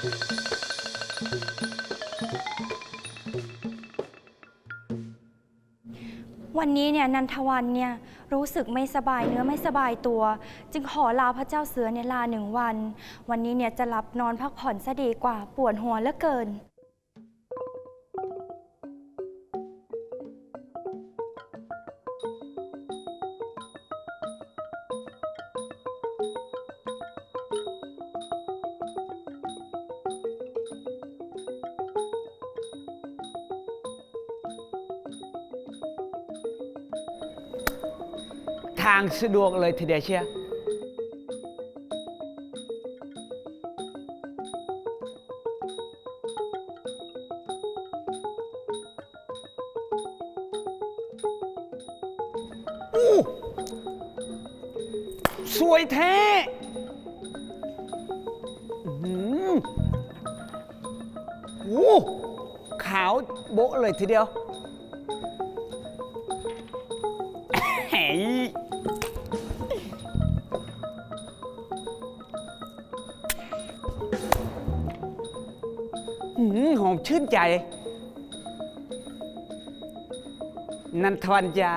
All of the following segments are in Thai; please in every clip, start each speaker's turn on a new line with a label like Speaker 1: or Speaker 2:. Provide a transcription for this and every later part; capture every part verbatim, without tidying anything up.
Speaker 1: วันนี้เนี่ยนันทวันเนี่ยรู้สึกไม่สบายเนื้อไม่สบายตัวจึงขอลาพระเจ้าเสือเนี่ยลาหนึ่งวันวันนี้เนี่ยจะหลับนอนพักผ่อนซะดีกว่าปวดหัวเหลือเกิน
Speaker 2: ทางสะดวกเลยทีเดียวเชียวอู้สวยแท้โอ้ขาวโบ๊ะเลยทีเดียวเฮ้ยหอมชื่นใจนันทวันจ๋า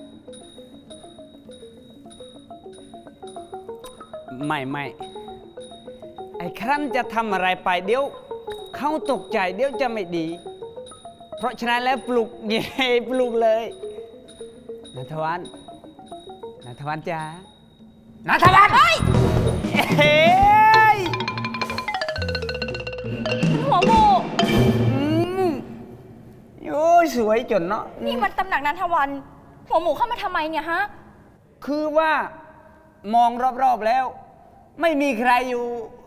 Speaker 2: ไม่ไม่ไอ้ครั้นจะทำอะไรไปเดี๋ยวเขาตกใจเดี๋ยวจะไม่ดีเพราะฉะนั้นแล้วปลุกเย่ปลุกเลยนันทวันนันทวันจ๋านันทวันเฮ้ยเฮ้ย
Speaker 1: หัวหมู
Speaker 2: โอ้ยสวยจนเนาะ
Speaker 1: นี่มันตำหนักนันทวันหัวหมูเข้ามาทำไมเนี่ยฮะ
Speaker 2: คือว่ามองรอบๆแล้วไม่มีใครอยู่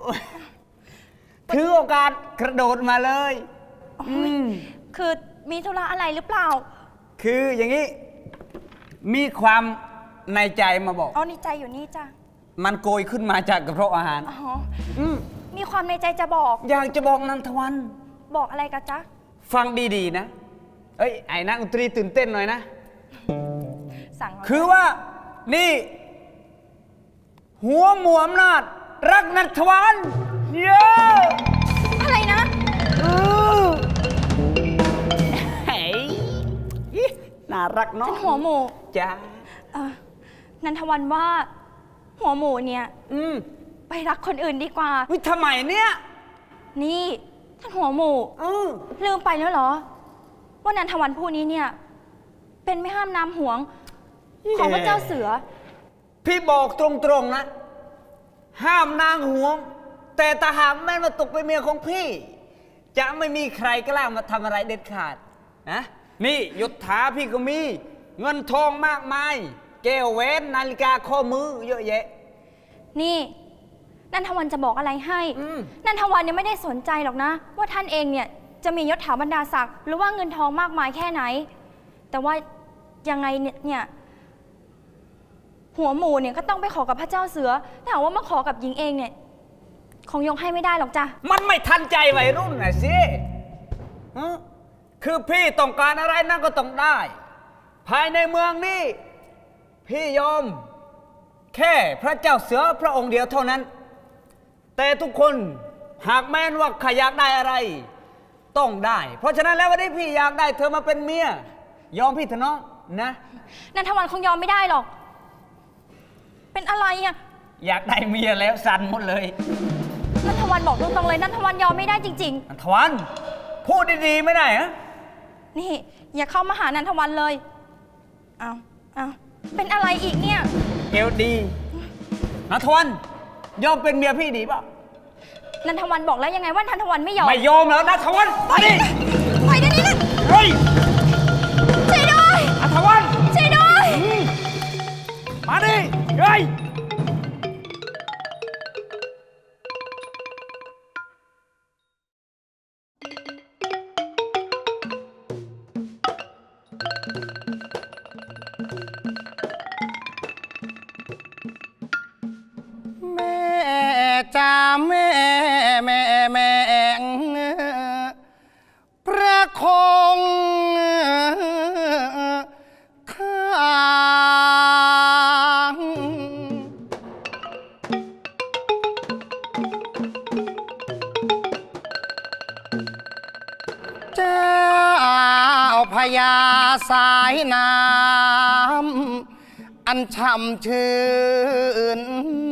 Speaker 2: ถือโอกาสกระโดดมาเลย
Speaker 1: คือมีธุระอะไรหรือเปล่า
Speaker 2: คืออย่างนี้มีความในใจมาบอก
Speaker 1: อ๋อในใจอยู่นี่จ้ะ
Speaker 2: มันโกยขึ้นมาจากกระเพาะอาหาร
Speaker 1: อ๋อมีความในใจจะบอก
Speaker 2: อยากจะบอกนันทวัน
Speaker 1: บอกอะไรกันจ๊ะ
Speaker 2: ฟังดีๆนะเอ้ยไอ้นักดนตรีตื่นเต้นหน่อยนะ
Speaker 1: สั่ง
Speaker 2: คือว่านี่หัวหมวมนาดรักนันทวันเย้
Speaker 1: อะไรนะ
Speaker 2: เออเฮ้ยน่ารักเนาะ
Speaker 1: หัวหมู
Speaker 2: จ้า
Speaker 1: นันทวันว่าหัวหมูเนี่ย
Speaker 2: อืม
Speaker 1: ไปรักคนอื่นดีกว่า
Speaker 2: วิทำไมเนี่ย
Speaker 1: นี่ท่านหัวหมูลืมไปแล้วเหรอว่านันทวันผู้นี้เนี่ยเป็นไม่ห้ามน้ำหวงของพระเจ้าเสือ
Speaker 2: พี่บอกตรงๆนะห้ามนางหวงแต่ตาหากแม่มาตกเป็นเมียของพี่จะไม่มีใครกล้ามาทำอะไรเด็ดขาดนะนี่ยศถาพี่ก็มีเงินทองมากมายแก้วแหวนนาฬิกาข้อมือเยอะแยะ
Speaker 1: นี่นันทวันจะบอกอะไรให้นันทวันเนี่ยไม่ได้สนใจหรอกนะว่าท่านเองเนี่ยจะมียศถาบรรดาศักดิ์หรือว่าเงินทองมากมายแค่ไหนแต่ว่ายังไงเนี่ยหัวหมูเนี่ยก็ต้องไปขอกับพระเจ้าเสือแต่หากว่ามาขอกับหญิงเองเนี่ยคงยกให้ไม่ได้หรอกจ้ะ
Speaker 2: มันไม่ทันใจวัยรุ่นนะสิคือพี่ต้องการอะไรนั่นก็ต้องได้ภายในเมืองนี่พี่ยอมแค่พระเจ้าเสือพระองค์เดียวเท่านั้นแต่ทุกคนหากแม้นว่าใครอยากได้อะไรต้องได้เพราะฉะนั้นแล้ววันนี้พี่อยากได้เธอมาเป็นเมียยอมพี่เถอะน้องนะ
Speaker 1: นันทวันคงยอมไม่ได้หรอกเป็นอะไรอ่ะ
Speaker 2: อยากได้เมียแล้วสั่นหมดเลย
Speaker 1: นันทวันบอกตรงๆเลยนันทวันยอมไม่ได้จริง
Speaker 2: ๆนันทวันพูดดีๆไม่ได้ฮะ
Speaker 1: นี่อย่าเข้ามาหานันทวันเลยเอาเอาเป็นอะไรอีกเนี่ย
Speaker 2: เอวดีนันทวันยอมเป็นเมียพี่ดีป่ะ
Speaker 1: นันทวันบอกแล้วยังไงว่านันทวันไม่ยอม
Speaker 2: ไม่ยอมแล้วนันทวันไปดิ
Speaker 1: ไปเดี๋ยวนี้นะ
Speaker 2: เฮ้ย
Speaker 1: ช่วยด้วย
Speaker 2: นันทวัน
Speaker 1: ช่วยด้วย
Speaker 2: มาดิเฮ้ย
Speaker 3: แม่จ้าแม่แม่แม่ประคองข้างญาสายน้ำอันช่ำชื่น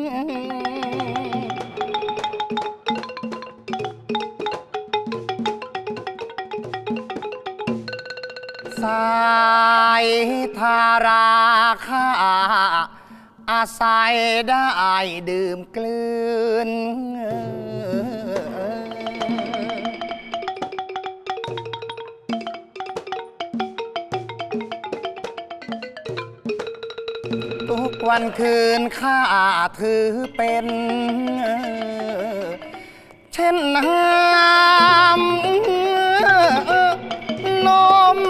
Speaker 3: สายทาราคาอาศัยได้ดื่มกลืนทุกวันคืนข้าถือเป็นเช่นน้ำนม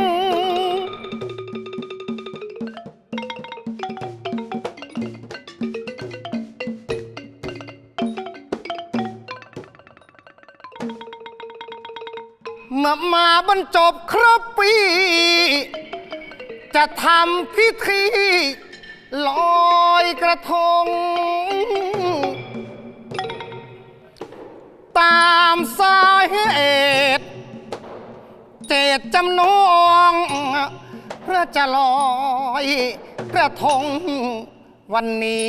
Speaker 3: เมื่อมาบรรจบครบปี จะทำพิธีลอยกระทง ตามสาเหตุเจตจำนงเพื่อจะลอยกระทงวันนี้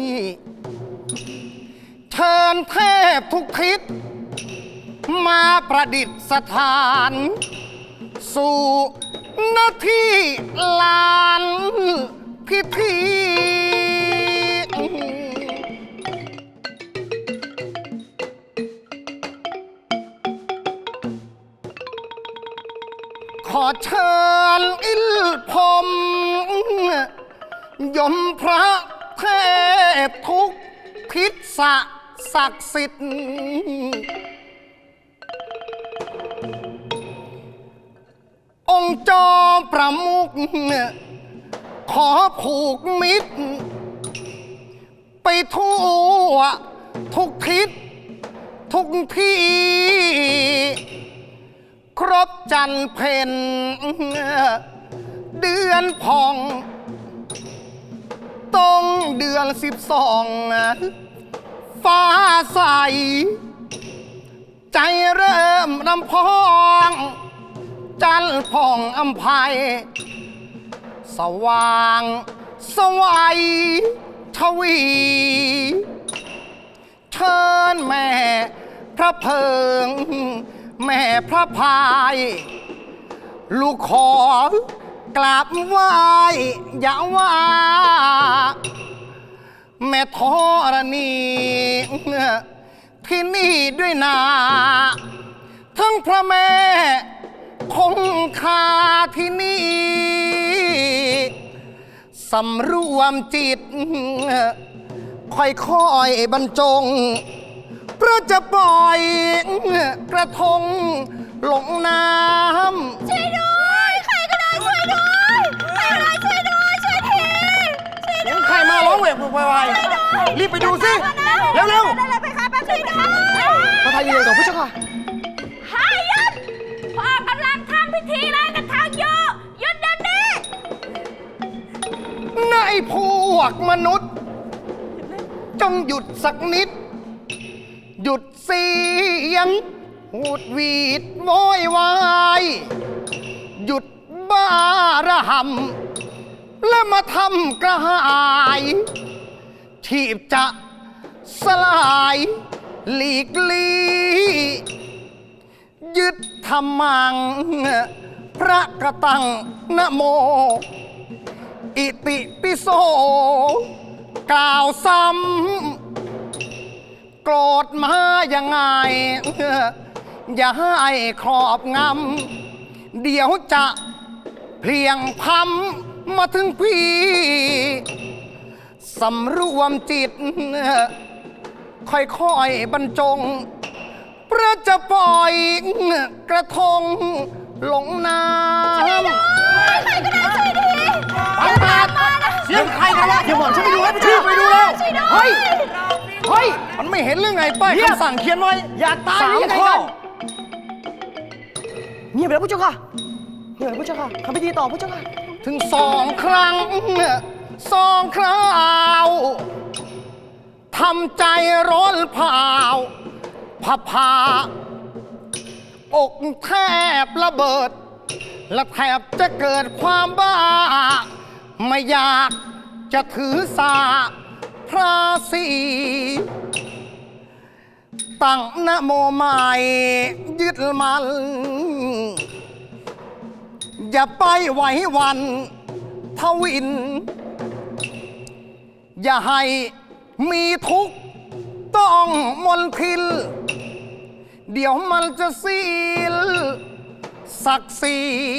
Speaker 3: เชิญเทพทุกทิศมาประดิษฐานสู่หน้าที่ลานพิธีขอเชิญอิลพรหมยมพระเทพทุกทิศศักดิ์สิทธิ์องค์จอมประมุขขอผูกมิตรไปทั่วทุกทิศทุกที่ครบจันทร์เพ็ญเดือนพองตรงเดือนสิบสองฟ้าใสใจเริ่มรำพองจันทร์ผ่องอำไพสว่างสวัยทวี เชิญแม่พระเพิงแม่พระพายลูกขอกราบไหว้อย่าว่าแม่ธรณีที่นี่ด้วยนาทั้งพระแม่คงคาที่นี่สำรวมจิตค่อยๆบรรจงเพื่อจะปล่อยกระทงลงน้ำช่วยด้วยใครก็ได้ช่วยด้วยใครก็ได้ช่วยด้วยช่วยทีช่วยด้วยใครมาร้องเวกไวๆรีบไปดูสิเร็วๆได้เลยไปค่ะแป๊บช่วยด้วยพระไทยยืนกับผู้ชายหายุดพ่อกำลังทำพิธีอะไรกันทางโยหยุดเดี๋ยวนี้ในพวกมนุษย์จงหยุดสักนิดหยุดเสียงหูดหวีดโวยวายหยุดบ้าระหำและมาทำกระหายชีพจะสลายหลีกลียึดธรรมังพระกระตังนะโมอิติปิโสกล่าวซ้ำโกรธมายังไงอย่าให้ครอบงำเดี๋ยวจะเพลียงพำมาถึงพี่สำรวมจิตค่อยๆบรรจงเพื่อจะปล่อยกระทงลงน้ำช่วยด้วยใครก็ได้ช่วยดีไปมาเสียงใครกันวะเดี๋ยวหมอนฉันไปดูให้ไปช่วยไปดูแล้วเฮ้ยเฮ้ยมันไม่เห็นเรื่องไงป้ายคำสั่งเขียนไว้อย่าตายสามข้อเงียบไปแล้วผู้เจ้าค่ะเงียบไปผู้เจ้าค่ะทำพิธีต่อผู้เจ้าค่ะถึงสองครั้งสองคราวทำใจร้อนเผาผาผาอกแทบระเบิดและแทบจะเกิดความบ้า ไม่อยากจะถือสาพระศรีตั้งนะโมใหม่ยึดมัน อย่าไปไหวหวันทวิน อย่าให้มีทุกข์ต้องมนทิน เดี๋ยวมันจะซีลศักดิ์ศรี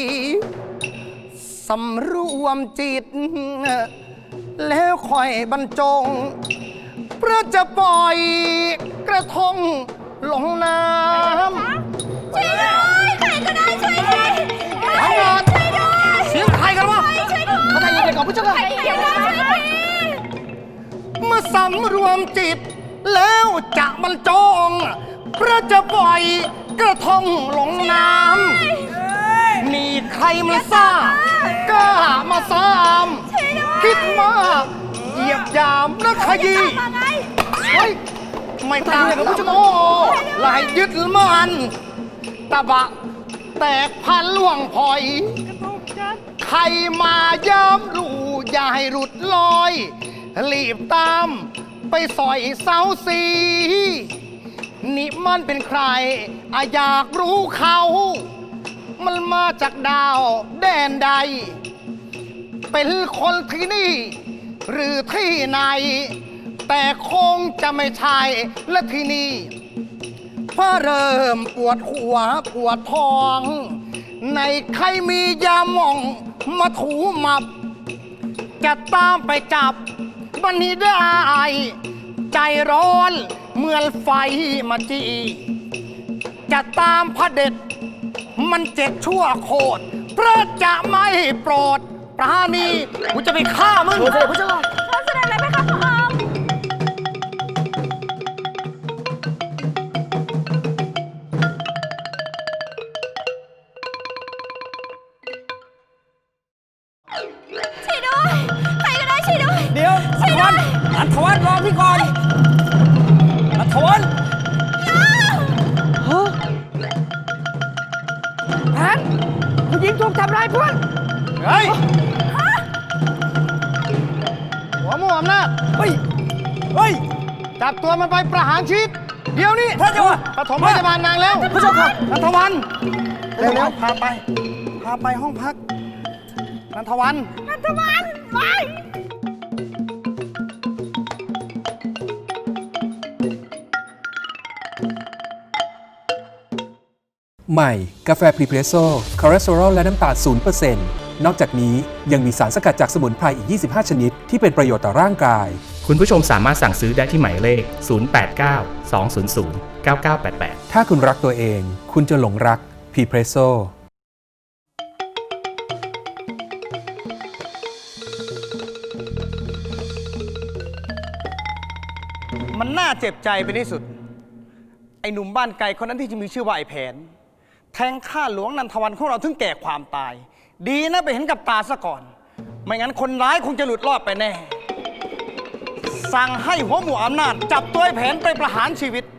Speaker 3: สำรวมจิต แล้วค่อยบรรจงเพื่อจะปล่อยกระทงลงน้ำ
Speaker 1: ช่วยด้วยใครก็ได้ช่วยด้วย
Speaker 3: ทั้งหมด
Speaker 1: ช่วยด้วย
Speaker 3: เสียงใครกันวะ
Speaker 1: ช่วยด้วย
Speaker 3: พระไทยยังไงก่อนพระเจ้าค่ะ
Speaker 1: ใครก็ได้ช่วยด้วย
Speaker 3: เมื่อสำรวมจิต แล้วจะบรรจงเพื่อจะปล่อยกระทงลงน้ำมีใครมาซ่ากล้ามาซ้ำคิดมากเหยียบยามและขยี้
Speaker 1: มาไง
Speaker 3: เฮ้ยไม่ตายกับผู้ชมโอ้ลายยึดมันตะบะแตกพันล่วงพลอย ใครมาย้ำรูอย่าให้หลุดลอย รีบตามไปสอยเสาสีนี่มันเป็นใครอาอยากรู้เขา มันมาจากดาวแดนใด เป็นคนที่นี่ หรือที่ไหน แต่คงจะไม่ใช่และที่นี่เพราะเริ่มปวดหัวปวดท้อง ในใครมียาหม่องมาถูมับ จะตามไปจับบันนี้ได้ ใจร้อนเหมือนไฟมาจีจะตามพระเด็จมันเจ็ดชั่วโคตรพระจะไม่โปรดปราณีกูจะไปฆ่ามึงพระเจ้า
Speaker 1: เขาแสดงอะไรไหมคะพระองค์ช่วยด้วยใครก็ได้ช่วยด้วย
Speaker 2: เดี๋ยว
Speaker 1: ช่วยด้วย
Speaker 2: นันทวันรอพี่ก่อนนันทวันฮะแผนผู้หญิงถูกทำร้ายเพื่อน
Speaker 3: เฮ้ยหัวหมูอำนาจ
Speaker 2: เฮ้ย เฮ้ย
Speaker 3: จับตัวมันไปประหารชีวิตเดี๋ยวนี้
Speaker 2: พระเจ้าค่ะ
Speaker 3: ปฐมพยาบาลนางแล้ว
Speaker 2: พระเจ้าค่ะ
Speaker 3: นันทวันเร็วๆพาไป พาไปห้องพัก นันทวัน
Speaker 1: นันทวันไป
Speaker 4: ใหม่ กาแฟพรีเพรสโซ่คอเลสเตอรอลและน้ำตาล ศูนย์เปอร์เซ็นต์ นอกจากนี้ยังมีสารสกัดจากสมุนไพรอีก ยี่สิบห้า ชนิด ที่เป็นประโยชน์ต่อร่างกาย
Speaker 5: คุณผู้ชมสามารถสั่งซื้อได้ที่หมายเลข ศูนย์ แปด เก้า สอง ศูนย์ ศูนย์ เก้า เก้า แปด แปด
Speaker 4: ถ้าคุณรักตัวเอง คุณจะหลงรักพรีเพรสโซ่
Speaker 3: มันน่าเจ็บใจเป็นที่สุด ไอ้หนุ่มบ้านไกลคนนั้นที่จะมีชื่อว่าไอ้แผน แทงข้าหลวงนันทวันของเราถึงแก่ความตาย ดีนะไปเห็นกับตาซะก่อน ไม่งั้นคนร้ายคงจะหลุดรอดไปแน่ สั่งให้หัวหมู่อำนาจ จับตัวไอ้แผนไปประหารชีวิต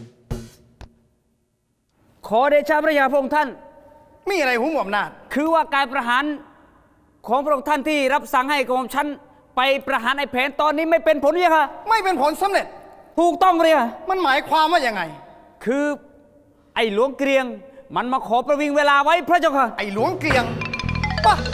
Speaker 2: ขอเดชะพระยาพระองค์ท่าน
Speaker 3: มีอะไรหัวหมู่อำนาจ
Speaker 2: คือว่าการประหารของพระองค์ท่านที่รับสั่งให้กรมชั้นไปประหารไอ้แผนตอนนี้ไม่เป็นผลเลยค่ะ
Speaker 3: ไม่เป็นผลสำเร็จ
Speaker 2: ถูกต้องเลยค่ะ
Speaker 3: มันหมายความว่ายังไง
Speaker 2: คือไอ้หลวงเกรียง มันมาขอประวิงเวลาไว้พระเจ้าค่ะ
Speaker 3: ไอ้หลวงเกลียงปะ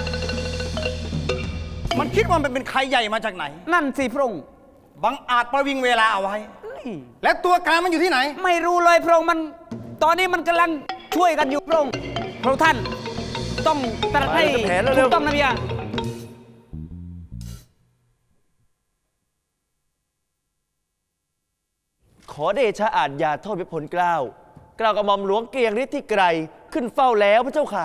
Speaker 3: มันคิดว่ามันเป็นใครใหญ่มาจากไหน
Speaker 2: นั่นสิพระองค์
Speaker 3: บังอาจประวิงเวลาเอาไว้ และตัวการมันอยู่ที่ไหน
Speaker 2: ไม่รู้เลยพระองค์มันตอนนี้มันกำลังช่วยกันอยู่พระองค์พระองค์ท่านต้องตรัสให้ถูกต้องนะพี่ยา
Speaker 6: ขอเดชะอาจยาโทษพิพลเกล้ากล่าวกับหม่อมหลวงเกรียงฤทธิ์ที่ไกลขึ้นเฝ้าแล้วพระเจ้าค่ะ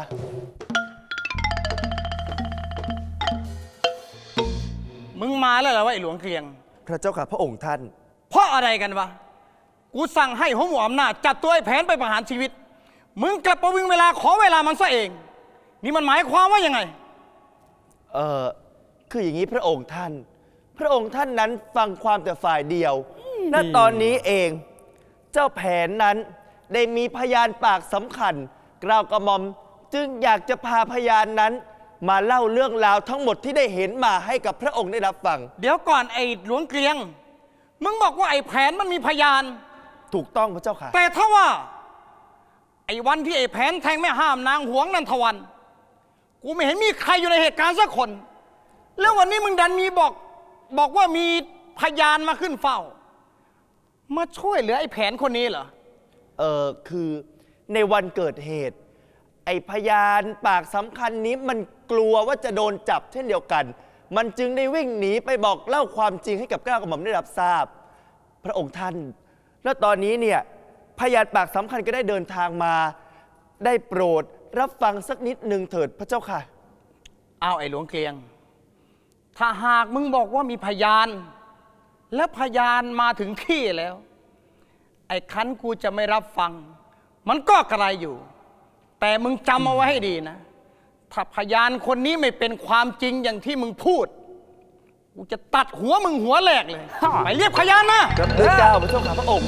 Speaker 3: มึงมาแล้วเหรอวะไอ้หลวงเกลียง
Speaker 6: พระเจ้าค่ะพระองค์ท่าน
Speaker 3: เพราะอะไรกันวะ กูสั่งให้หัวหมู่อำนาจจับตัวไอ้แผนไปประหารชีวิต มึงกลับประวิงเวลาขอเวลามันซะเอง นี่มันหมายความว่ายังไง
Speaker 6: เออคืออย่างนี้พระองค์ท่าน พระองค์ท่านนั้นฟังความแต่ฝ่ายเดียวณตอนนี้เอง เจ้าแผนนั้นได้มีพยานปากสำคัญ กล่าวกระหม่อมจึงอยากจะพาพยานนั้น มาเล่าเรื่องราวทั้งหมดที่ได้เห็นมาให้กับพระองค์ได้รับฟัง
Speaker 7: เดี๋ยวก่อนไอ้หลวงเกลียง มึงบอกว่าไอ้แผนมันมีพยาน
Speaker 6: ถูกต้องพระเจ้าค่ะ
Speaker 7: แต่ถ้าว่า ไอ้วันที่ไอ้แผนแทงแม่ห้ามนางหวงนันทวัน กูไม่เห็นมีใครอยู่ในเหตุการณ์สักคน แล้ววันนี้มึงดันมีบอก บอกว่ามีพยานมาขึ้นเฝ้า มาช่วยเหลือไอ้แผนคนนี้เหรอ
Speaker 6: เออคือในวันเกิดเหตุ ไอพยานปากสำคัญนี้มันกลัวว่าจะโดนจับเช่นเดียวกัน มันจึงได้วิ่งหนีไปบอกเล่าความจริงให้กับเกล้ากระหม่อมได้รับทราบ พระองค์ท่าน แล้วตอนนี้เนี่ยพยานปากสำคัญก็ได้เดินทางมา ได้โปรดรับฟังสักนิดหนึ่งเถิดพระเจ้าค่ะ
Speaker 7: เอาไอ้หลวงเกลียง ถ้าหากมึงบอกว่ามีพยาน และพยานมาถึงที่แล้ว ไอ้คันกูจะไม่รับฟัง มันก็กระไรอยู่ แต่มึงจำเอาไว้ให้ดีนะ ถ้าพยานคนนี้ไม่เป็นความจริงอย่างที่มึงพูด กูจะตัดหัวมึงหัวแหลกเลย ไปเรียกพยานมา
Speaker 6: รับเดินเจ้าพระเจ้าค่ะพระองค์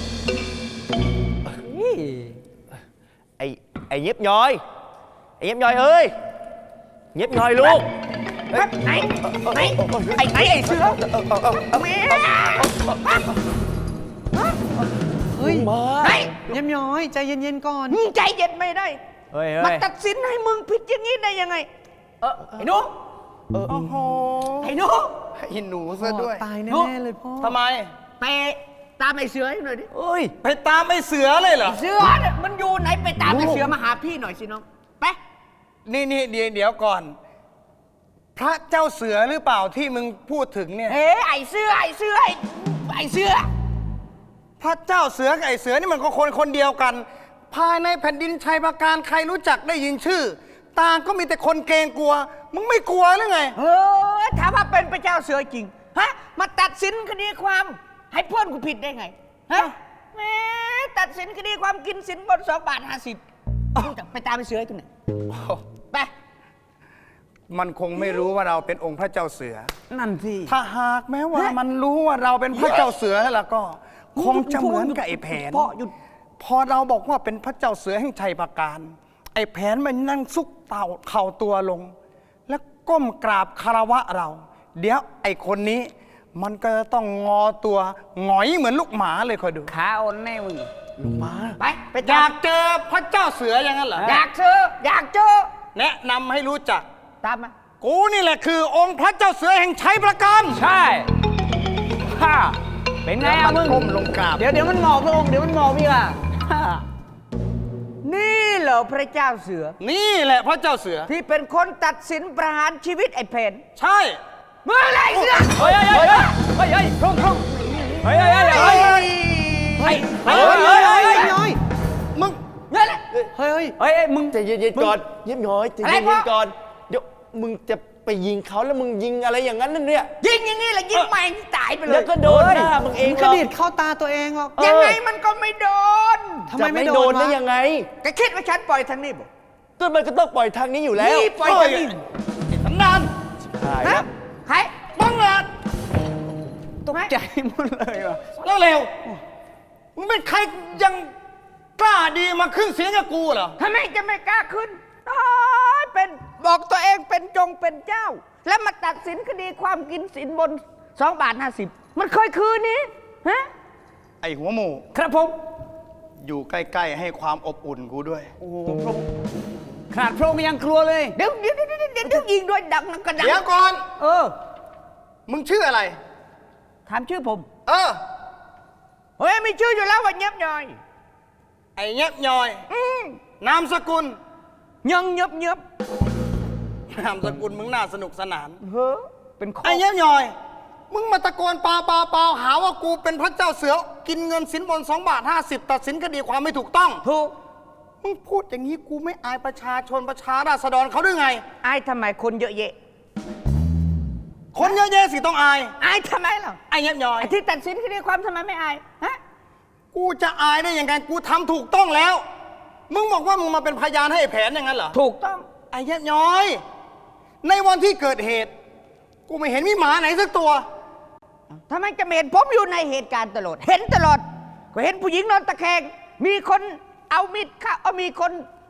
Speaker 6: ไอ้ไอ้เย็บย้อย ไอ้เย็บย้อยเอ้ย เย็บย้อยลูก
Speaker 3: ไหนไหนไอ้ไอ้ไอ้เสือแม่
Speaker 8: เฮ้ย
Speaker 6: มา
Speaker 3: ไหน
Speaker 8: เยี่ยมย้อยใจเย็นๆก่อน
Speaker 3: มึงใจเย็นไม่ได้
Speaker 2: เฮ้ย
Speaker 3: มาตัดสินให้มึงผิดอย่างนี้ได้ยังไง เออไอ้หนู
Speaker 7: โอ้โห
Speaker 3: ไอ้หนู
Speaker 7: ไอ้หนูซะด้วย
Speaker 8: ตายแน่ๆเลยพ่อ
Speaker 7: ทำไม
Speaker 3: ไปตามไอ้เสือให้หน่อยดิ
Speaker 7: เอ้ย ไปตามไอ้เสือเลยเหรอ
Speaker 3: เสือเนี่ยมันอยู่ไหนไปตามไอ้เสือมาหาพี่หน่อยสิน้องไป
Speaker 7: นี่นี่เดี๋ยวเดี๋ยวก่อน พระเจ้าเสือหรือเปล่าที่มึงพูดถึงเนี่ย
Speaker 3: เฮ้ไอ้เสือไอ้เสือไอ้ไอ้เสือ
Speaker 7: พระเจ้าเสือกับไอ้เสือนี่มันก็คนคนเดียวกัน ภายในแผ่นดินชัยปราการใครรู้จักได้ยินชื่อ ต่างก็มีแต่คนเกรงกลัว มึงไม่กลัวหรือไง
Speaker 3: เออถ้าว่าเป็นพระเจ้าเสือจริงฮะมาตัดสินคดีความ ให้เพื่อนกูผิดได้ไงฮะแหม่ตัดสินคดีความกินสินบนสองบาทห้าสิบไปตามไอ้เสือตรงไหนไป
Speaker 7: มันคงไม่รู้ว่าเราเป็นองค์พระเจ้าเสือ
Speaker 8: นั่นสิ
Speaker 7: ถ้าหากแม้ว่ามันรู้ว่าเราเป็นพระเจ้าเสือแล้วก็ คงจะเหมือนกับไอ้แผน
Speaker 3: พ่อหยุด
Speaker 7: พอเราบอกว่าเป็นพระเจ้าเสือแห่งชัยปราการ ไอ้แผนมันนั่งซุกเต่าเข่าตัวลง แล้วก้มกราบคารวะเรา เดี๋ยวไอ้คนนี้ มันก็จะต้องงอตัวหงอยเหมือนลูกหมาเลยคอยดู
Speaker 3: ขาอ่อนแน่มึง
Speaker 6: ลูกมา
Speaker 3: ไปไป
Speaker 7: อ
Speaker 3: ตาย
Speaker 7: าม กเจอพระเจ้าเสืออย่างนั้นเหรอ
Speaker 3: อยากเจออยากเจอ
Speaker 7: แนะนำให้รู้จัก
Speaker 3: ตามมา
Speaker 7: กูนี่แหละคือองค์พระเจ้าเสือแห่งชัยปราการ
Speaker 2: ใช่ฮ่าเป็นไงอะมึง
Speaker 7: ก้มลงกราบ
Speaker 2: เดี๋ยวเดี๋ยวมันหมอบพระองค์เดี๋ยวมันหมอบพี่ล่ะฮ่า
Speaker 3: นี่เหรอพระเจ้าเสือ
Speaker 7: นี่แหละพระเจ้าเสือ
Speaker 3: ที่เป็นคนตัดสินประหารชีวิตไอ้เพน
Speaker 7: ใช่
Speaker 3: เมื่อไรเสือ
Speaker 2: เฮ้ยเฮ้ยเฮ้ยเฮ้ยเฮ้ยพรุ่งพรุ่งเฮ้ยเฮ้ยเฮ้ยเฮ้ย
Speaker 3: เฮ้ย
Speaker 2: เฮ้ยเฮ้ยเฮ้ย
Speaker 8: เยี่ยมย้อย
Speaker 7: มึง
Speaker 3: เงี้ยแหละ
Speaker 8: เฮ้ยเฮ้ย
Speaker 2: เฮ้ยมึง
Speaker 6: ใจเย็นๆก่อน เย็บย้อยใจ
Speaker 3: อะไร
Speaker 6: เย็
Speaker 3: พ่อ
Speaker 6: นๆก่อน เดี๋ยวมึงจะไปยิงเขาแล้วมึงยิงอะไรอย่างนั้นนั่นเนี่ย
Speaker 3: ยิงอย่างนี้แหละยิงใหม่ตายไปเล
Speaker 6: เดี๋ย
Speaker 3: ยว
Speaker 6: ก็โดนหน้ามึงเอง
Speaker 8: มึง
Speaker 6: ห
Speaker 8: ก
Speaker 6: ร
Speaker 8: ระ
Speaker 6: อก
Speaker 8: ดิดเข้าตาตัวเองหรอก
Speaker 3: ยังไงมันก็ไม่โดน
Speaker 8: ทำไม
Speaker 6: จะ
Speaker 8: ไม่
Speaker 6: ไม่
Speaker 8: โด
Speaker 6: โด
Speaker 8: น
Speaker 6: นได้
Speaker 8: วะ
Speaker 6: ยังไง
Speaker 3: แกคิดว่าฉันปล่อยทางนี้บ่
Speaker 6: ก็มันก็ต้องปล่อยทางนี้อยู่แล้ว
Speaker 3: นี่ปล่อยทางนี้
Speaker 7: สันดาน
Speaker 6: ใช่
Speaker 3: ฮะใคร
Speaker 7: บังอาจ
Speaker 3: ตรงไหน
Speaker 7: ใจหมดเลยว่ะแล้วเร็วมึงเป็นใครยังกล้าดีมาขึ้นเสียงกับกูเหรอ
Speaker 3: ทำไมจะไม่กล้าขึ้นตายเป็นบอกตัวเองเป็นจงเป็นเจ้า แล้วมาตัดสินคดีความกินสินบนสองบาทห้าสิบมันเคยคืนนี้ฮะ
Speaker 7: ไอหัวหมู
Speaker 2: ครับผม
Speaker 7: อยู่ใกล้ๆให้ความอบอุ่นกูด้วย
Speaker 2: โอ้โหพระองค์ขนาดพระองค์ยังกลัวเลย
Speaker 3: เดี๋ยวเดี๋ยวเดี๋ยวเดี๋ยวเดี๋ยวยิงด้วยดังนังกระดัง
Speaker 7: เดี๋ยวก่อน
Speaker 3: เออ
Speaker 7: มึงชื่ออะไร
Speaker 3: ถามชื่อผม
Speaker 7: เออ
Speaker 3: เฮ้ยมีชื่ออยู่แล้วว่าเงียบย่อย
Speaker 7: ไอ้เงียบย่อย
Speaker 3: อืม
Speaker 7: นามสกุล
Speaker 3: ยังเงียบเงียบ
Speaker 7: นามสกุลมึงน่าสนุกสนาน
Speaker 3: เฮ้อเป็นข้อ
Speaker 7: ไอ้เงียบย่อย มึงมาตะโกนเปล่าเปล่าเปล่าหาว่ากูเป็นพระเจ้าเสือ กินเงินสินบนสองบาทห้าสิบตัดสินคดีความไม่ถูกต้อง
Speaker 3: ถูก
Speaker 7: มึงพูดอย่างนี้กูไม่อายประชาชนประชาราษฎรเขาด้วยไง
Speaker 3: อายทำไมคนเยอะแยะ
Speaker 7: คนเยอะแยะสิต้องอาย
Speaker 3: อายทำไมล่ะ
Speaker 7: ไอ้เงียบย่อย
Speaker 3: ไอ้ที่ตัดสินคดีความทำไมไม่อายฮะ
Speaker 7: กูจะอายได้ยังไง กูทำถูกต้องแล้ว มึงบอกว่ามึงมาเป็นพยานให้ไอ้แผนอย่างนั้นเหรอ
Speaker 3: ถูกต้อง
Speaker 7: ไอ้เงียบย่อย ในวันที่เกิดเหตุ กูไม่เห็นมีหมาไหนสักตัว
Speaker 3: ทำไมจะไม่เห็นผมอยู่ในเหตุการณ์ตลอด เห็นตลอด ก็เห็นผู้หญิงนอนตะแคง มีคนเอามีดเข้าเอามีคน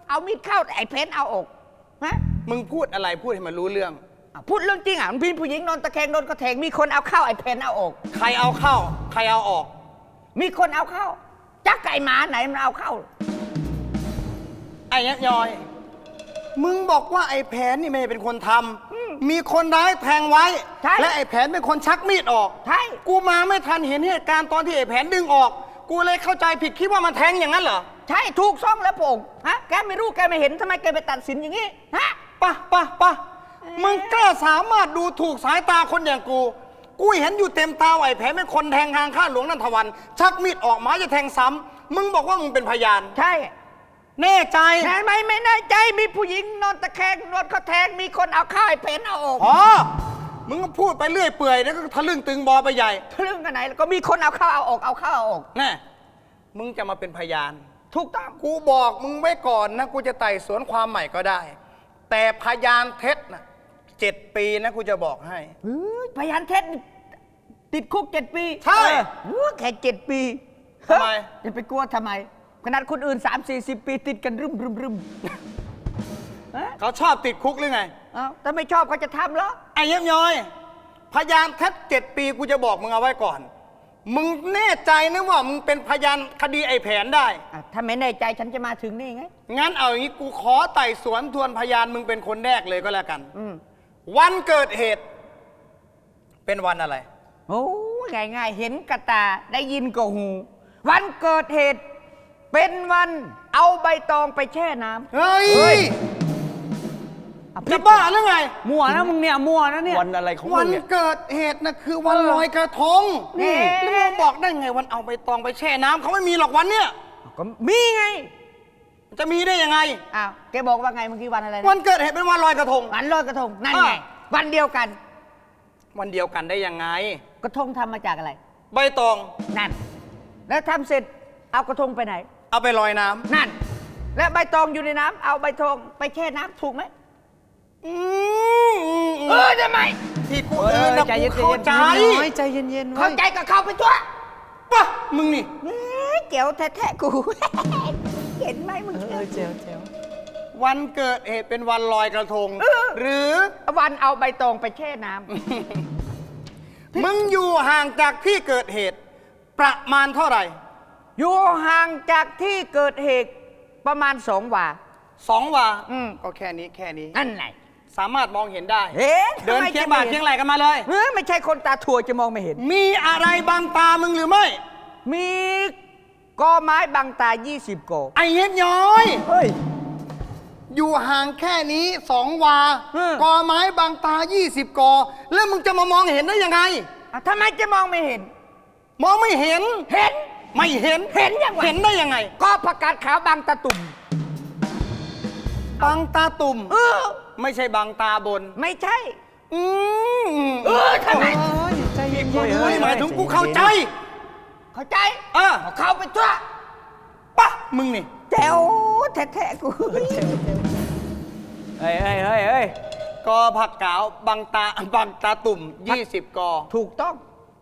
Speaker 9: เอามีดเข้าไอ้เพนเอาอกฮะ
Speaker 7: มึงพูดอะไรพูดให้มันรู้เรื่อง
Speaker 9: อ่ะพูดเรื่องจริงอ่ะมันพี่ผู้หญิงนอนตะแคงโดนกระแทงมีคนเอาเข้าไอ้เพนเอาอก
Speaker 7: ใครเอาเข้า ใครเอาออก
Speaker 9: มีคนเอาเข้าจักไก่หมาไหนมันเอาเข้า
Speaker 7: ไอ้ยักษ์ยอย มึงบอกว่าไอ้แผนนี่ไม่ได้เป็นคนทำ มีคนร้ายแทงไว้
Speaker 9: ใช่
Speaker 7: และไอ้แผนเป็นคนชักมีดออก
Speaker 9: ใช่
Speaker 7: กูมาไม่ทันเห็นเหตุการณ์ตอนที่ไอ้แผนดึงออก กูเลยเข้าใจผิดคิดว่ามันแทงอย่างนั้นเหรอ
Speaker 9: ใช่ถูกซ่องแล้วโป่งฮะแกไม่รู้แกไม่เห็นทำไมแกไปตัดสินอย่างนี้ฮะ
Speaker 7: ปะปะปะมึงกล้าสามารถดูถูกสายตาคนอย่างกู กูเห็นอยู่เต็มตาว่าไอ้แผนเป็นคนแทงทางข้าหลวงนันทวัน ชักมีดออกหมายจะแทงซ้ำมึงบอกว่ามึงเป็นพยาน
Speaker 9: ใช่
Speaker 7: แน่ใจ
Speaker 9: ใช่ไหมไม่แน่ใจมีผู้หญิงนอนตะแคงนอนเขาแทงมีคนเอาเข้าไอ้เพนเอาอก
Speaker 7: อ๋อ มึงก็พูดไปเรื่อยเปื่อยแล้วก็ทะลึ่งตึงบอไปใหญ่
Speaker 9: เรื่องกันไหนแล้วก็มีคนเอาเข้าเอาอกเอาเข้าเอาอก
Speaker 7: แน่ มึงจะมาเป็นพยาน
Speaker 9: ถูกต้อง
Speaker 7: กูบอกมึงไว้ก่อนนะ กูจะไต่สวนความใหม่ก็ได้ แต่พยานเท็จนะเจ็ดปีนะกูจะบอกให้
Speaker 9: เฮ้ยพยานเท็จนี่ติดคุกเจ็ดปี
Speaker 7: ใช่
Speaker 9: เออโอ้แค่เจ็ดปี
Speaker 7: ทำไม
Speaker 9: เฮ้ยจะไปกลัวทำไม ขนาดคนอื่นสามสี่สิบปีติดกันรึมรึมรึมฮะ
Speaker 7: เขาชอบติดคุกหรือไง
Speaker 9: เอ้าถ้าไม่ชอบเขาจะทำเหรอ
Speaker 7: ไอ้เยี่ยมย้อย พยานเท็จเจ็ดปีกูจะบอกมึงเอาไว้ก่อน มึงแน่ใจนะว่ามึงเป็นพยานคดีไอ้แผนได้
Speaker 9: อ่ะถ้าไม่แน่ใจฉันจะมาถึงนี่ไง
Speaker 7: งั้นเอาอย่างนี้กูขอไต่สวนทวนพยานมึงเป็นคนแรกเลยก็แล้วกัน
Speaker 9: อืม
Speaker 7: วันเกิดเหตุ เป็นวันอะไร
Speaker 9: โอ้ง่ายง่ายๆเห็นกระตาได้ยินก็หู วันเกิดเหตุ เป็นวันเอาใบตองไปแช่น้ำ
Speaker 7: เฮ้ย
Speaker 9: เฮ้ย อ่ะ
Speaker 7: จะบ้าหรือไง
Speaker 8: มั่วนะมึงเนี่ย มั่วนะเนี่ย
Speaker 6: วันอะไรของ
Speaker 7: วั
Speaker 6: มึ
Speaker 7: น
Speaker 6: งเนี่ย
Speaker 7: เกิดเหตุนะคือวันลอยกระทง
Speaker 9: นี่
Speaker 7: แล้วมึงบอกได้ไงวันเอาใบตองไปแช่น้ำเขาไม่มีหรอกวันเนี้ย
Speaker 9: ก็มีไง
Speaker 7: จะมีได้ยังไง
Speaker 9: อ้าวแกบอกว่าไงเมื่อกี้วันอะไรนะ
Speaker 7: วันเกิดเหตุเป็นวันลอยกระทง
Speaker 9: วันลอยกระทงนั่น
Speaker 7: อ่า
Speaker 9: ไง วันเดียวกัน
Speaker 7: วันเดียวกันได้ยังไง
Speaker 9: กระทงทำมาจากอะไร
Speaker 7: ใบตอง
Speaker 9: นั่น แล้วทำเสร็จเอากระทงไปไหน
Speaker 7: เอาไปลอยน้ำ
Speaker 9: นั่น และใบตองอยู่ในน้ำเอาใบตองไปแช่น้ำถูกไหม
Speaker 7: อืมอืมอืม
Speaker 9: เออทำไม
Speaker 7: ที่กูเดินนะ
Speaker 8: ใจเย็
Speaker 7: กู
Speaker 8: น
Speaker 7: เข้าใจ
Speaker 8: น้อยใจเย็นๆ
Speaker 9: เข้า
Speaker 8: ไว้
Speaker 9: ใจก็เข้าไปตัว
Speaker 7: ปะมึงนี่
Speaker 9: เอ้ยเจ๋วแท้ๆกู เห็นไหมมึง
Speaker 8: เออเจ๋วเจ๋ว
Speaker 7: วันเกิดเหตุเป็นวันลอยกระทง หรือ
Speaker 9: วันเอาใบตองไปแช่น้ำ
Speaker 7: มึงอยู่ห่างจากที่เกิดเหตุ ประมาณเท่าไหร่
Speaker 9: อยู่ห่างจากที่เกิดเหตุประมาณสองวา
Speaker 7: สองวา
Speaker 9: อืม
Speaker 7: ก็แค่นี้แค่นี้
Speaker 9: นั่นไง
Speaker 7: สามารถมองเห็นได้
Speaker 9: เห็น
Speaker 7: เดิน
Speaker 9: ทำไม
Speaker 7: เคียง
Speaker 9: จะ
Speaker 7: บ่า
Speaker 9: ไม่
Speaker 7: เคียงไหลกันมาเลย
Speaker 9: เออไม่ใช่คนตาถั่วจะมองไม่เห็น
Speaker 7: มีอะไรบางตามึงหรือไม่
Speaker 9: มีกอไม้บังตา ยี่สิบกอ
Speaker 7: ไอ้เฮ็ดย้อย
Speaker 9: เฮ้ย
Speaker 7: อยู่ห่างแค่นี้สองวา
Speaker 9: อืม
Speaker 7: กอไม้บางตา ยี่สิบกอ แล้วมึงจะมามองเห็นได้ยังไง
Speaker 9: อ่ะทำไมจะมองไม่เห็น
Speaker 7: มองไม่เห็น
Speaker 9: เห็น
Speaker 7: ไม่เห็น
Speaker 9: เห็นยังไง
Speaker 7: เห็นได้ยังไง
Speaker 9: ก็ผักกาดขาวบางตาตุ่ม
Speaker 7: บางตาตุ่ม
Speaker 9: เออ
Speaker 7: ไม่ใช่บางตาบน
Speaker 9: ไม่ใช่
Speaker 7: อืม
Speaker 9: เออทำไม
Speaker 8: โอ้ยใจเย็นๆ
Speaker 7: เฮ้
Speaker 8: ไว้
Speaker 7: ยหมายถึงกูเข้าใจ
Speaker 9: เข้าใจ
Speaker 7: เออ
Speaker 9: เอาเข้าไปทั่ว
Speaker 7: ปะมึงนี่
Speaker 9: แจ๋วแท้ๆกู
Speaker 8: เฮ้ยเฮ้ยเฮ้ยเฮ้ย
Speaker 7: กอผักกาวบางตาบางตาตุ่ม ยี่สิบกอ
Speaker 9: ถูกต้อง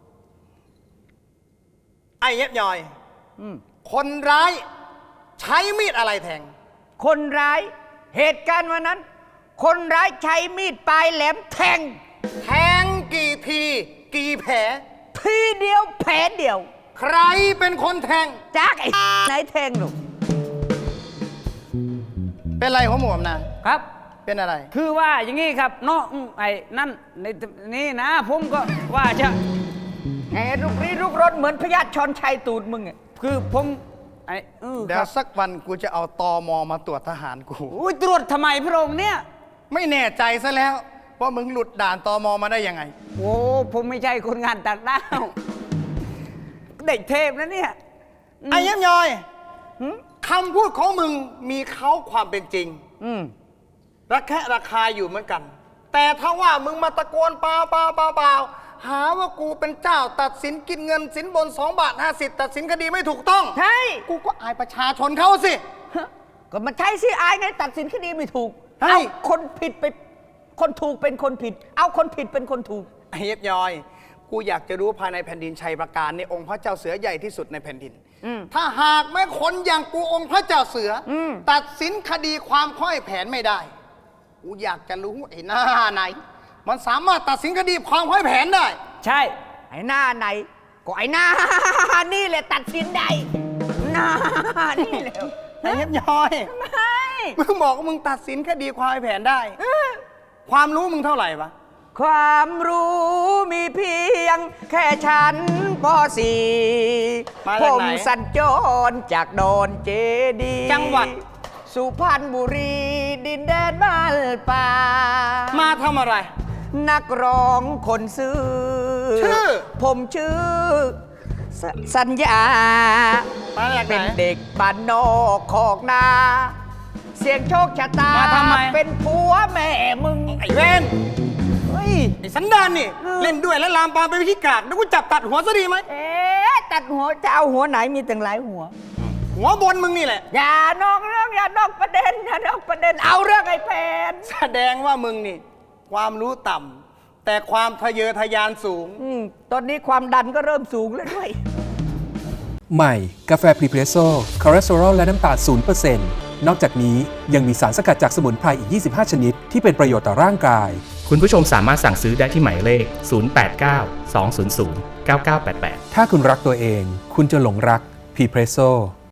Speaker 7: ไอ้เย็บย่อย
Speaker 9: อืม
Speaker 7: คนร้ายใช้มีดอะไรแทง
Speaker 9: คนร้าย เหตุการณ์วันนั้น คนร้ายใช้มีดปลายแหลมแทง
Speaker 7: แทงกี่ที กี่แผล
Speaker 9: ทีเดียวแผลเดียว
Speaker 7: ใครเป็นคนแทง
Speaker 9: จากไอ้ ไหนแทงหนู
Speaker 7: เป็นไรหัวหมวมนะ
Speaker 8: ครับ
Speaker 7: เป็นอะไร
Speaker 8: คือว่าอย่างงี้ครับเนาะอืมไอ้นั่นในนี่นะ ผมก็ว่าจะ
Speaker 9: ไอ้ลูกรีลูกรถเหมือนพญาติชอนชัยตูดมึงอะ
Speaker 8: คือผมไอ้เออ
Speaker 7: เดี๋
Speaker 8: ค
Speaker 7: ยว
Speaker 8: รับ
Speaker 7: สักวันกูจะเอาตอมอมาตรวจทหารกู
Speaker 8: อุ้ยตรวจทำไมพระองค์เนี่ย
Speaker 7: ไม่แน่ใจซะแล้วว่ามึงหลุดด่านตอมอมาได้ยังไง
Speaker 8: โอ้ผมไม่ใช่คนงานต่างด้าวเด็กเทพนะเนี่ย
Speaker 7: ไอ้เย็บย่อยคำพูดของมึงมีเขาความเป็นจริง
Speaker 8: อืม
Speaker 7: ระแคะระคายอยู่เหมือนกัน แต่ถ้าว่ามึงมาตะโกนเปล่าเปล่าเปล่าเปล่าหาว่ากูเป็นเจ้าตัดสินกินเงินสินบนสองบาทห้าสิบตัดสินคดีไม่ถูกต้อง
Speaker 9: ใช่
Speaker 7: กูก็อายประชาชนเขาสิ
Speaker 9: ก็มันใช่สิอายไงตัดสินคดีไม่ถูก
Speaker 7: ใช่
Speaker 9: เอาคนผิดไป คนถูกเป็นคนผิด เอาคนผิดเป็นคนถูก
Speaker 7: ไอ้เย็บยอย กูอยากจะรู้ภายในแผ่นดินชัยประการในองค์พระเจ้าเสือใหญ่ที่สุดในแผ่นดิน
Speaker 9: อืม
Speaker 3: ถ้าหากแม้คนอย่างกูองค์พระเจ้าเสืออ
Speaker 9: ม
Speaker 3: ตัดสินคดีความค่อยแผนไม่ได้ กูอยากจะรู้ไอ้หน้าไหน มันสามารถตัดสินคดีความค่อยแผนได้
Speaker 9: ใช่ ไอ้หน้าไหน ก็ไอ้หน้า นี่แหละตัดสินได้หน้านี่แหละ
Speaker 3: ไอ้เย็บย้อย
Speaker 9: ไม่
Speaker 3: มึงบอกว่ามึงตัดสินคดีความค่อยแผนได้ ความรู้มึงเท่าไหร่ปะ
Speaker 9: ความรู้มีเพียงแค่ชั้นป .สี่
Speaker 3: มา
Speaker 9: ผ
Speaker 3: จาก
Speaker 9: ม
Speaker 3: ไหน
Speaker 9: สัญจรจากดอนเจดีย์
Speaker 3: จังหวัด
Speaker 9: สุพรรณบุรี ดินแดนบ้านป่า
Speaker 3: มาทำอะไร
Speaker 9: นักร้องคนซื้อ
Speaker 3: ชื่อ
Speaker 9: ผมชื่อสสัญญา
Speaker 3: มาจากไหน
Speaker 9: เป็นเด็กบ้านนอกขอกนา เสียงโชคชะตา
Speaker 3: มาทำไม
Speaker 9: เป็นผัวแม่มึง
Speaker 3: ไอ้เวน
Speaker 9: เฮ้ย
Speaker 3: ไอ้สันดานนี่ เล่นด้วยและลามปามไปนวิธีกากแล้วกูจับตัดหัวซะดีไหม
Speaker 9: เอ๊ะตัดหัวจะเอาหัวไหนมีตั้งหลายหัว
Speaker 3: หัวบนมึงนี่แหละ
Speaker 9: อย่านอกเรื่องอย่านอกประเด็นอย่านอกประเด็นเอาเรื่องไอ้แผน
Speaker 3: แสดงว่ามึงนี่ ความรู้ต่ำแต่ความทะเยอทะยานสูง
Speaker 9: อืมตอนนี้ความดันก็เริ่มสูงแล้วด้วย
Speaker 4: ใหม่ กาแฟพรีเพรสโซ่คอเลสเตอรอลและน้ำตาลศูนย์เปอร์เซ็นต์ นอกจากนี้ยังมีสารสกัดจากสมุนไพรอีก ยี่สิบห้า ชนิด ที่เป็นประโยชน์ต่อร่างกาย
Speaker 5: คุณผู้ชมสามารถสั่งซื้อได้ที่หมายเลข ศูนย์ แปด เก้า สอง ศูนย์ ศูนย์ เก้า เก้า แปด แปด
Speaker 4: ถ้าคุณรักตัวเอง คุณจะหลงรักพรีเพรสโซ่